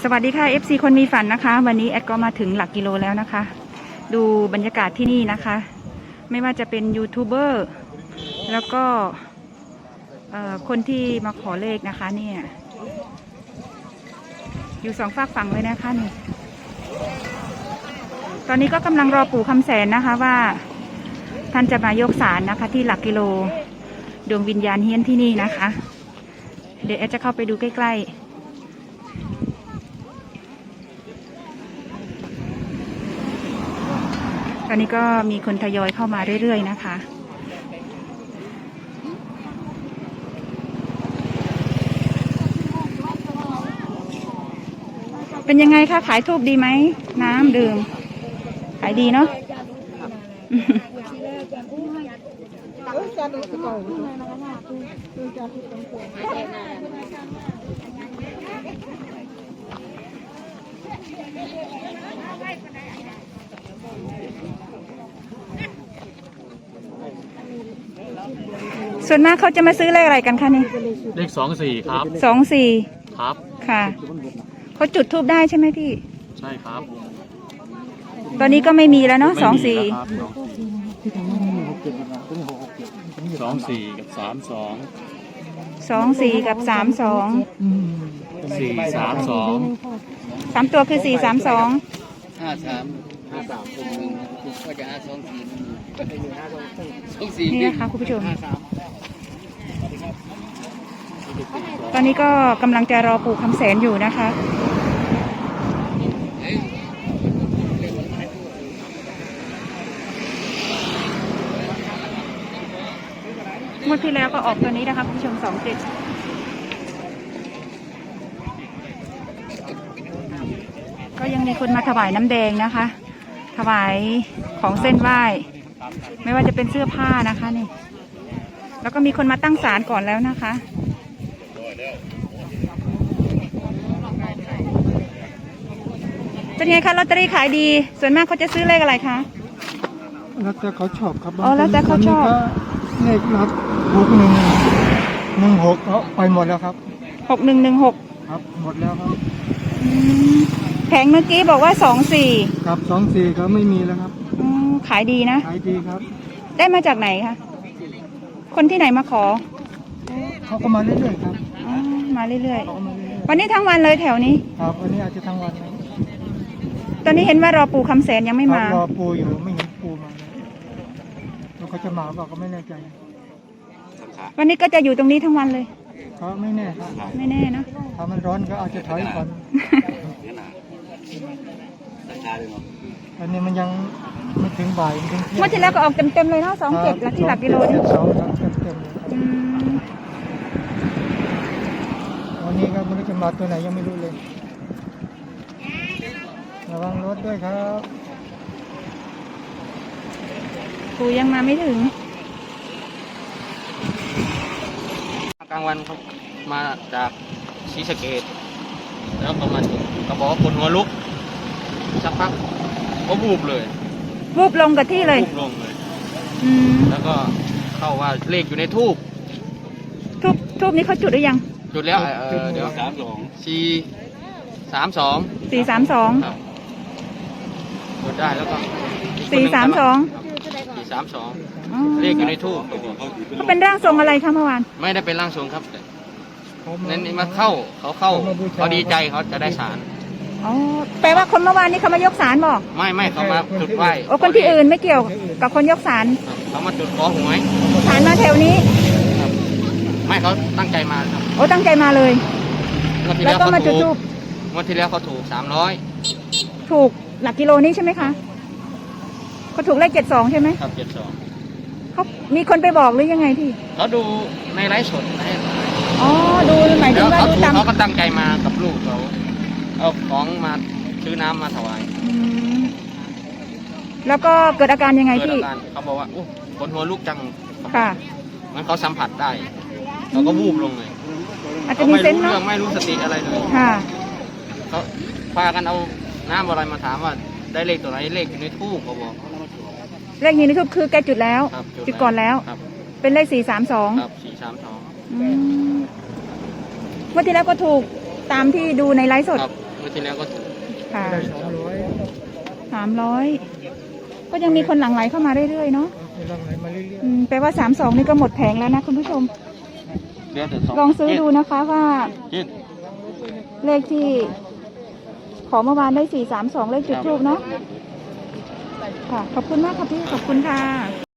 สวัสดีค่ะ FC คนมีฝันนะคะวันนี้แอดก็มาถึงหลักกิโลแล้วนะคะ ดูบรรยากาศที่นี่นะคะ ไม่ว่าจะเป็นยูทูบเบอร์แล้วก็คนที่มาขอเลขนะคะเนี่ยอยู่สองฝากฝั่งเลยนะคะนี่ตอนนี้ก็กำลังรอปู่คำแสนนะคะว่าท่านจะมายกศาลนะคะที่หลักกิโลดวงวิญญาณเฮี้ยนที่นี่นะคะเดี๋ยวแอดจะเข้าไปดูใกล้ๆตอนนี้ก็มีคนทยอยเข้ามาเรื่อยๆนะคะเป็นยังไงคะขายทูบดีไหมน้ำดื่มขายดีเนาะส่วนมากเขาจะมาซื้อเลขอะไรกันคะนี่เลข24ครับ 24 ครับค่ะเขาจุดทูบได้ใช่ไหมพี่ใช่ครับตอนนี้ก็ไม่มีแล้วเนาะ24 24กับ 24กับ32 432 3ตัวคือ432 53ก็จะ24 นี่นะคะคุณผู้ชมตอนนี้ก็กำลังจะรอปู่คำแสนอยู่นะคะงวดที่แล้วก็ออกตัวนี้นะคะคุณผู้ชม27ก็ยังมีคนมาถวายน้ำแดงนะคะถวายของเส้นไหว้ไม่ว่าจะเป็นเสื้อผ้านะคะนี่แล้วก็มีคนมาตั้งศาลก่อนแล้วนะคะเป็นไงคะลอตเตอรี่ขายดีส่วนมากเขาจะซื้อเลขอะไรคะแล้วแต่เขาชอบครับอ๋อแล้วแต่เขาชอบเลขรับ6116เขาไปหมดแล้วครับ 6116 ครับหมดแล้วครับแผงเมื่อกี้บอกว่า24 ครับ24เขาไม่มีแล้วครับขายดีนะขายดีครับได้มาจากไหนคะคนที่ไหนมาขอเขาก็มาเรื่อยๆครับมาเรื่อยๆวันนี้ทั้งวันเลยแถวนี้ครับวันนี้อาจจะทั้งวันนะตอนนี้เห็นว่ารอปู่คำแสนยังไม่มารอปู่อยู่ไม่เห็นปู่มาแล้วเขาจะมาบอกก็ไม่แน่ใจวันนี้ก็จะอยู่ตรงนี้ทั้งวันเลยเขาไม่แน่ครับไม่แน่เนาะถ้ามันร้อนก็อาจจะถอยก่อนอันนี้มันยังไม่ถึงบ่ายถึงเมื่อที่แล้วก็ออกเต็มๆเลยเนาะ27แล้วที่หลักกิโลนี่วันนี้ก็ไม่รู้จะมาตัวไหนยังไม่รู้เลยระวังรถด้วยครับปู่ยังมาไม่ถึงกลางวันเขามาจากศรีสะเกษแล้วก็มาเขาบอกว่าคนหัวลุกสักพักก็บูบเลยบูบลงกับที่เลยบูบลงเลยแล้วก็เข้าว่าเลขอยู่ในทูบนี้เขาจุดหรือยังจุดแล้วเดี๋ยว432จุดได้แล้วก็432เลขอยู่ในทูบเขาเป็นร่างทรงอะไรคะเมื่อวานไม่ได้เป็นร่างทรงครับนี่มาเขาดีใจเขาจะได้ศาลอ๋อแปลว่าคนเมื่อวานนี้เขามายกศาลบอกไม่เขามาจุดไหว้โอ้คนที่อื่นไม่เกี่ยวกับคนยกศาลเขามาจุดขอหวยศาลมาแถวนี้ไม่เขาตั้งใจมาครับโอ้ตั้งใจมาเลยแล้วก็มาจุดทูบวันที่แล้วเขาถูก300 ถูกหลักกิโลนี้ใช่ไหมคะเขาถูกเลข72ใช่ไหมครับ72 เขามีคนไปบอกหรือยังไงพี่เขาดูในไลฟ์สดอ๋อดูหมายถึงว่าดูตามเขาก็ตั้งใจมากับลูกเขาเอาของมาซื้อน้ำมาถวายแล้วก็เกิดอาการยังไงพี่เขาบอกว่าคนหัวลูกจังค่ะมันเขาสัมผัสได้เขาก็วูบลงเลยอาจจะมีเซนส์เนาะไม่รู้สติอะไรเลยค่ะเขาพากันเอาน้ำอะไรมาถามว่าได้เลขตัวไหนเลขอยู่ในทูบเขาบอกเลขนี้นี่คือแกจุดแล้วจุดก่อนแล้วเป็นเลข432 ครับ432 เมื่อที่แล้วก็ถูกตามที่ดูในไลฟ์สดมื่อที่แล้วก็ถูกค่ะได้ 300ก็ยังมีคนหลั่งไหลเข้ามาเรื่อยๆเนาะมีรังไหลมาเรื่อยแปลว่า32นี่ก็หมดแผงแล้วนะคุณผู้ชมเดือนแต่สองลองซื้อดูนะคะว่าเจ็ดเลขที่ขอเมื่อวานได้432เลขจุดทูบเนาะค่ะ ขอบคุณมากค่ะพี่ ขอบคุณค่ะ